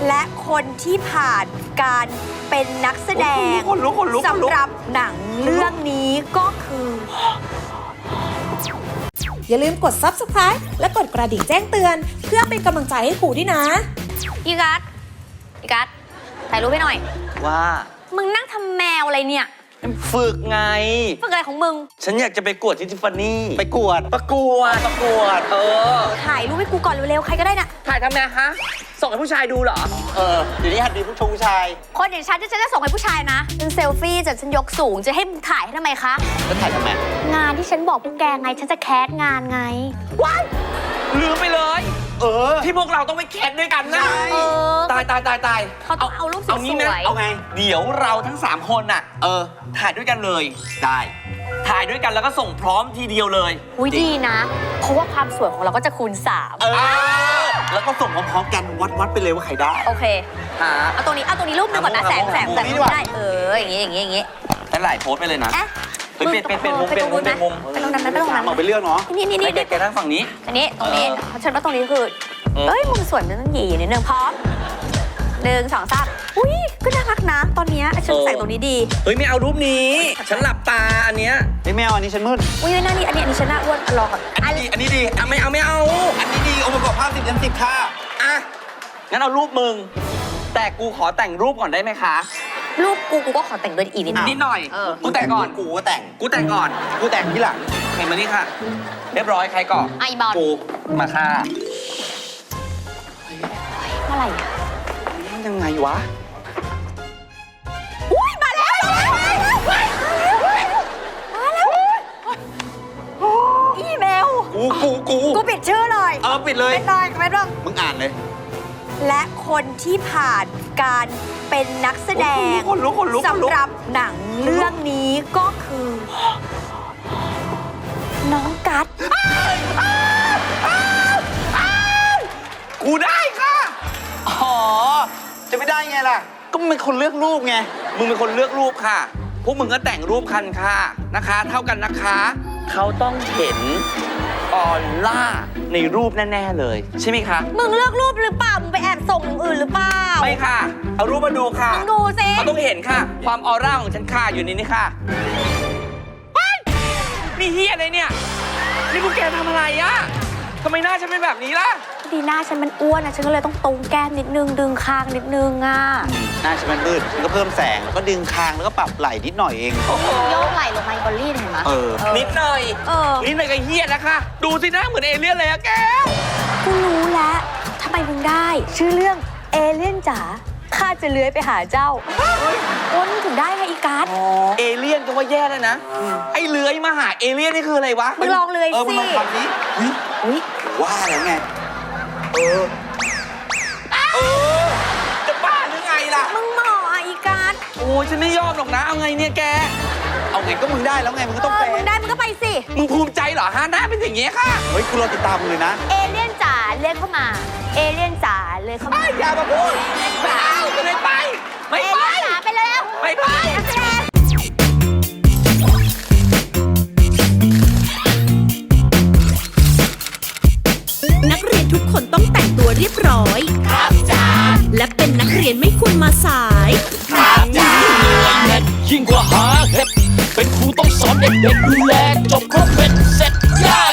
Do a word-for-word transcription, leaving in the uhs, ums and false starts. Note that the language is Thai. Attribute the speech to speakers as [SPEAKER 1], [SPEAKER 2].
[SPEAKER 1] และคนที่ผ่านการเป็นนักแสดงสำหรับหนังเรื่องนี้ก็คือ
[SPEAKER 2] อย่าลืมกด ซับสไครบ์ และกดกระดิ่งแจ้งเตือนเพื่อเป็นกำลังใจให้ครูด้วยนะ
[SPEAKER 1] อีกัสอีกัสถ่ายรูปให้หน่อย
[SPEAKER 3] ว่า
[SPEAKER 1] มึงนั่งทำแมวอะไรเนี่ย
[SPEAKER 3] ฝึกไง
[SPEAKER 1] ฝึกอะไรของมึง
[SPEAKER 3] ฉันอยากจะไปกวดที่ทิฟฟานี่
[SPEAKER 4] ไปกวด
[SPEAKER 3] ประกวดประกวดเออ
[SPEAKER 1] ถ่ายรูปให้กูก่อนเร็วๆใครก็ได้น่ะ
[SPEAKER 3] ถ่ายทำไมฮะส่งให้ผู้ชายดูเหรอ
[SPEAKER 4] เออเดี๋ยวนี้หัดมีผู้ชมผู้ชาย
[SPEAKER 1] คนอย่างฉันที่ฉันจะส่งให้ผู้ชายนะเป็นเซลฟี่จะฉันยกสูงจะให้มึงถ่ายให้ทำไมคะ
[SPEAKER 4] แล้วถ่ายทำไม
[SPEAKER 1] งานที่ฉันบอกพวกแกไงฉันจะแคสงานไง
[SPEAKER 3] ว้ายลืมไปเลยเออที่พวกเราต้องไปแคสด้วยกันนะ
[SPEAKER 1] เออ
[SPEAKER 3] ตายตายตายตาย
[SPEAKER 1] เขาต้องเอารูปสวย
[SPEAKER 3] ๆเอาไงเดี๋ยวเราทั้งสามคนน่ะเออถ่ายด้วยกันเลยได้ถ่ายด้วยกันแล้วก็ส่งพร้อมทีเดียวเลย
[SPEAKER 1] อุ้ยดีนะเพราะว่าความสวยของเราก็จะคูณสาม
[SPEAKER 4] เออแล้วก็ส่งพร้อมๆกันวัดวัดไปเลยว่าใครได้
[SPEAKER 1] โอเคเอาตรงนี้เอาตรงนี้รูปหนึ่งก่อนนะแสงแสงแสงได้เอออย่างงี้อย่างงี้อย่างงี้
[SPEAKER 3] แต่หลายโพสไปเลยนะเป็นเป็นเป็นมุมเป็นมุมเป็นมุม
[SPEAKER 1] ไปตรงนั้นไปตรงนั้น
[SPEAKER 4] เอาไปเรื่องเนาะ
[SPEAKER 1] นี่นี่นี่
[SPEAKER 3] แกนั่งฝั่งนี้
[SPEAKER 1] อันนี้ตรงนี้ฉันว่าตรงนี้คือเอ้ยมุมสวยมันต้องหยีนิดนึงพร้อมหนึ่งสองสามอุ้ยก็น่ารักนะตอนนี้ฉันใส่ตรงนี้ดี
[SPEAKER 3] เฮ้ยไม่เอารูปนี้ฉันหลับตาอันเนี้ย
[SPEAKER 4] ไม่เอาอันนี้ฉันมืด
[SPEAKER 1] อุ้ยหน้านี่อันนี้อันนี้ฉันหน้าอ้วนรอก่อน
[SPEAKER 4] อันนี้ดีอันนี้ดีอ่ะไม่เอาไม่เอาอันนี้ดีองค์ประกอบภาพสิบยันสิบค่ะ
[SPEAKER 3] อ่ะงั้นเอารูปมึงแต่กูขอแต่งรูปก่อนได้ไหมคะ
[SPEAKER 1] รูปกูกูก็ขอแต่งด้วยอีกนิด
[SPEAKER 3] นิดหน่อยกูแต่งก่อน
[SPEAKER 4] กูก็แต่ง
[SPEAKER 3] กูแต่งก่อน
[SPEAKER 4] กูแต่งที่หลัง
[SPEAKER 3] เห็นมานี่ค่ะเรียบร้อยใครก่อน
[SPEAKER 1] ไอ้บอล
[SPEAKER 3] กูมาค่ะ
[SPEAKER 1] เมื่อไหร่
[SPEAKER 3] ยังไงวะ
[SPEAKER 1] อุ้ยมาแล้วมาแล้วอีเมล
[SPEAKER 4] กูกูกู
[SPEAKER 1] กูปิดชื่อเลย
[SPEAKER 4] เออปิดเลย
[SPEAKER 1] ไม่ได้ไม่ต้อง
[SPEAKER 4] มึงอ่านเลย
[SPEAKER 1] และคนที่ผ่านการเป็นนักแสดงสำหรับหนังเรื่องนี้ก็คือน้องกัส
[SPEAKER 3] กูได้ค่ะ
[SPEAKER 4] อ๋อจะไม่ได้ไงล่ะก็มึงเป็นคนเลือกรูปไง
[SPEAKER 3] มึงเป็นคนเลือกรูปค่ะพวกมึงก็แต่งรูปคันค่ะนะคะเท่ากันนะคะเขาต้องเห็นออร่าในรูปแน่ๆเลยใช่ไหมคะ
[SPEAKER 1] มึงเลือกรูปหรือเปล่ามึงไปแอบส่งอย่างอื่นหรือเปล่า
[SPEAKER 3] ไม่ค่ะเอารูปมาดูค่ะ
[SPEAKER 1] มึงดูสิ
[SPEAKER 3] เขาต้องเห็นค่ะความออร่าของฉันค่ะอยู่ในนี้ค่ะนี่เฮียอะไรเนี่ยนี่พวกแกทำอะไรอะทำไมหน้าฉันเป็นแบบนี้ล่ะ
[SPEAKER 1] ดีหน้าฉันมันอ้วนนะฉันก็เลยต้องตรงแก้มนิดนึงดึงคางนิดนึงอ่ะ
[SPEAKER 4] หน้าฉันมันมืดฉันก็เพิ่มแสงแล้วก็ดึงคางแล้วก็ปรับไหล่นิดหน่อยเอง
[SPEAKER 1] โยกไหล่ลงมาบอลลี่เห็นไหม
[SPEAKER 4] เออ
[SPEAKER 3] นิดหน่อย
[SPEAKER 1] เออ
[SPEAKER 3] นิดหน่อยก็เฮียแล้วค่ะดูสิหน้าเหมือนเอเลี่ยนเลยอะแก
[SPEAKER 1] กูรู้แล้วทำไมมึงได้ชื่อเรื่องเอเลี่ยนจ๋าข้าจะเลื้อยไปหาเจ้าโอ้มึงถึงได้ไงอีกัส
[SPEAKER 3] เอเลี่ยนก็ว่าแย่แล้วนะไอ้เลื้อยมาหาเอเลี่ยนนี่คืออะไรวะ
[SPEAKER 1] มึงลองเลื้อยสิ
[SPEAKER 4] เออมึงลองทำนี้
[SPEAKER 1] อุ้ย
[SPEAKER 4] ว่าแล้วไงเออ
[SPEAKER 3] เออจะบ้าหรือไงล่ะ
[SPEAKER 1] มึงหมออ่ะอีกัส
[SPEAKER 3] โอ้ยฉันไม่ยอมหรอกนะเอาไงเนี่ยแก
[SPEAKER 4] เอาไงก็มึงได้แล้วไงมึงก็ต้องไป
[SPEAKER 1] มึงได้มึงก็ไปสิ
[SPEAKER 3] มึงภูมิใจเหรอฮะหน้าเป็นอย่างเงี้ยค่ะ
[SPEAKER 4] เฮ้ยกูรอติดตามมึงเลยนะ
[SPEAKER 1] เอเลี่ยนจ๋าเลื่อนเข้ามาเอเลี่ยนจ๋าเลื่อนเข้ามา
[SPEAKER 3] อย่ามาพูดไม่เอาไม่ไปไม่ไป
[SPEAKER 1] ไปแล้ว
[SPEAKER 3] ไม่ไป
[SPEAKER 2] นักเรียนทุกคนต้องแต่งตัวเรียบร้อยครับจ้าและเป็นนักเรียนไม่ควรมาสาย
[SPEAKER 5] ครับจ้าเด็ดยิ่งกว่าหาเห็ดเป็นครูต้องสอนเด็กๆดูแลจบครบเป็นเสร็จย่า